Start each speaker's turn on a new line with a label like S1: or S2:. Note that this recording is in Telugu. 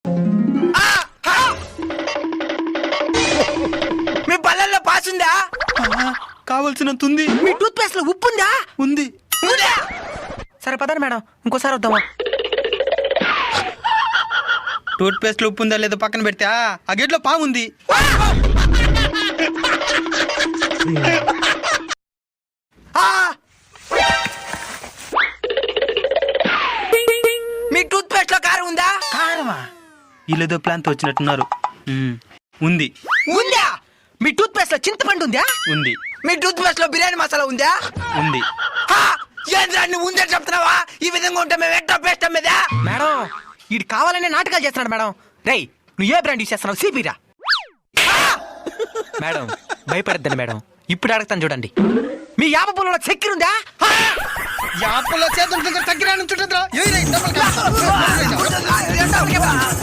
S1: మీ బల్లల్లో పాసుందా?
S2: కావలసినంత ఉంది.
S1: మీ టూత్ పేస్ట్ లో ఉప్పు ఉందా?
S2: ఉంది.
S1: సరే పదండి మేడం, ఇంకోసారి వద్దామా?
S2: టూత్ పేస్ట్ లో ఉప్పు ఉందా లేదో పక్కన పెడితే ఆ గేట్లో పాము ఉంది.
S1: మీ టూత్ పేస్ట్ లో కారం ఉందా?
S2: కారమా? వీళ్ళేదో ప్లాన్ తో వచ్చినట్టున్నారు. ఉంది.
S1: ఉందా? మీ టూత్ పేస్ట్ లో చింతపండు ఉందా?
S2: ఉంది.
S1: మీ టూత్ పేస్ట్ లో బిర్యానీ మసాలా ఉందా?
S2: ఉంది.
S1: ఏంద్రాన్ని ఉందని చెప్తున్నావా? ఈ విధంగా ఉంటే మేము ఎట్లా పేస్ట్ అమ్మేదా? మేడం, వీడు కావాలనే నాటకాలు చేస్తున్నాడు మేడం. రేయ్, నువ్వు ఏ బ్రాండ్ యూస్ చేస్తున్నావు? సిపిరా. మేడం భయపడద్దండి మేడం, ఇప్పుడు అడుగుతాను చూడండి. మీ యాప పొలంలో చక్కెర ఉందా?
S2: యాపలో చేతులు చక్కెర